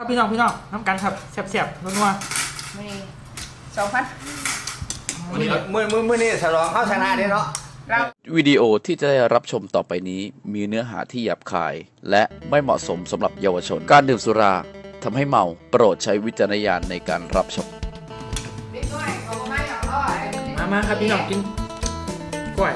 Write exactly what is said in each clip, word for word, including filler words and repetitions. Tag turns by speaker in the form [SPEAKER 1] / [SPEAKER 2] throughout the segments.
[SPEAKER 1] พี่น้องพี่น้องน้ำกันครับแซ่บๆนัว
[SPEAKER 2] ๆมือสองพัน
[SPEAKER 3] มือมือมือนี่ฉลองเข้าชนะได้เนาะ
[SPEAKER 4] วิดีโอที่จะได้รับชมต่อไปนี้มีเนื้อหาที่หยาบคาย และไม่เหมาะสมสำหรับเยาวชนการดื่มสุราทำให้เมาโปรดใช้วิจารณญาณในการรับชม
[SPEAKER 1] มามาครับพี่น้องกินกล้วย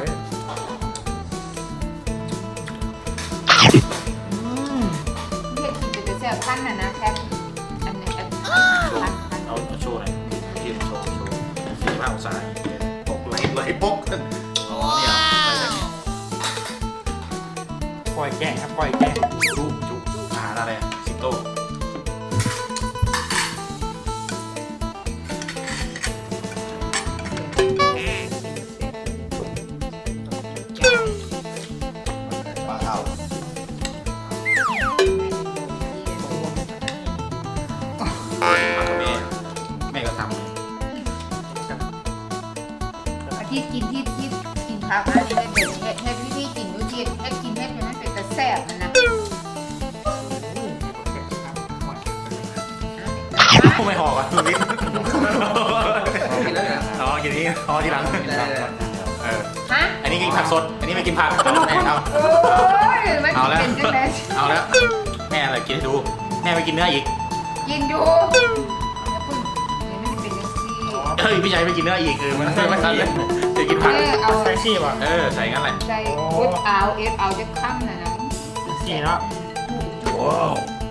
[SPEAKER 2] เฮ็ดกินจะแซ่บพันน่ะนะแค่อันนี้อันพันพัน
[SPEAKER 5] เอาโชว์หน่อยทีมโชว์โชว์สี่ห้าองศาปกไหลไหลปกอ๋อเนี่ยอะไรแบบนี้
[SPEAKER 1] กล้วยแกงครับกล้วยแกง
[SPEAKER 5] จุ๊จุ๊อาหารอะไรสิงโต
[SPEAKER 3] ปลาเท่า
[SPEAKER 5] แม่ก็ทำ
[SPEAKER 2] ที่กินที่ที่กินผักอันนี้เด็ดเฮ็ดเฮ็ดวิธีกินดูจิเฮ็ดกินเฮ็ดให้มันเป็นตะแซ่บมันนะ
[SPEAKER 5] ไม่หอกอ่ะลิ้นอ๋อกินนี้อ๋อทีหลังเออ
[SPEAKER 2] ฮะ
[SPEAKER 5] อันนี้กินผักสดอันนี้ไม่กินผักแม่เอา
[SPEAKER 2] โอ้ยมัน
[SPEAKER 5] เอาแล้ว
[SPEAKER 2] เป็นจังได๋
[SPEAKER 5] เอาแล้วแม่อะไรกินให้ดูแม่ไม่กินเนื้ออีก
[SPEAKER 2] กินอยู่อย่าพึ่งนี่มันเป็นจังซี่
[SPEAKER 5] เฮ้ยพี่ชายไม่กินเนื้ออีกเออมันไม่ทันเลยจะกินผัก
[SPEAKER 2] เออเอา
[SPEAKER 1] ใส่ชีพอ่ะ
[SPEAKER 5] เออใส่งั้นแหละ
[SPEAKER 2] ใจอดเอาเอ็ดเอาจะค่ำน่ะนะ
[SPEAKER 1] สีเนาะ
[SPEAKER 5] ว้าว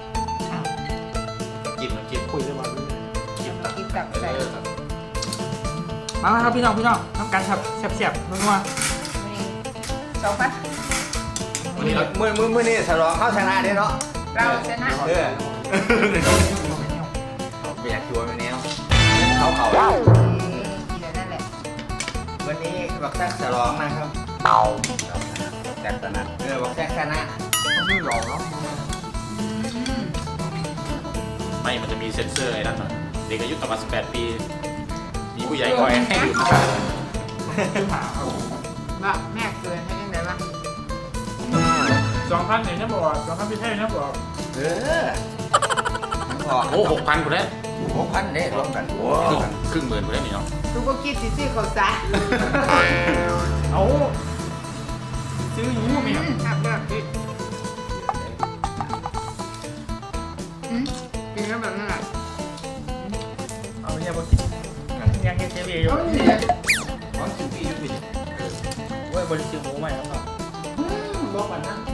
[SPEAKER 5] จิ้มน้ำจิ้ม
[SPEAKER 1] คุยได้บ้าง
[SPEAKER 5] จิ้มตับ
[SPEAKER 2] กินตับใส่
[SPEAKER 1] มามาครับพี่น้องพี่น้องน้ำกันครับแซ่บๆนัว
[SPEAKER 2] มือสองพัน
[SPEAKER 3] มือมือมือมือนี่ฉลองเข้าชนะได้เนาะ
[SPEAKER 2] เราชนะ
[SPEAKER 3] เออไม่อยากชวนวันนี้เขาเขา
[SPEAKER 2] เดี๋ยวนั่นแหละ
[SPEAKER 3] วันนี้บักแซกฉลองนะครับแซกชนะเออบักแซกชนะไม่หลอกเนาะ
[SPEAKER 5] ไม่มันจะมีเซ็นเซอร์ไอ้นั่นน่ะเด็กอายุต่ำกว่าสิบแปดปีมีผู้ใหญ่คอยให้ดื่มนะครับ
[SPEAKER 2] ว่าแม่เกินให้ยังไงวะ
[SPEAKER 1] สองพันเนี่ยนะบอกสองพันพี่เท่นะบอก
[SPEAKER 3] เออพอ
[SPEAKER 5] โอ้หกพันคนแล้ว
[SPEAKER 3] หกพันเนี่ยรวมกัน
[SPEAKER 5] ครึ่งหมื่นคนแล้วนี่เนาะ
[SPEAKER 2] ดูก็คิดสิซื้อเขาซะ
[SPEAKER 1] เอาซื้ออยู่ไหมครับ
[SPEAKER 2] ครับแบบนี้อืมกินแล้วแบบนั้นแหละ
[SPEAKER 1] เอาไม่ใช่บอกกินยังกินเจลีอยู่
[SPEAKER 2] โอ้ย
[SPEAKER 3] ของสิบปีอยู่ปี
[SPEAKER 1] เว้ยบริสุทธิ์หมูใหม่ครับ
[SPEAKER 2] บอกก่อนนะ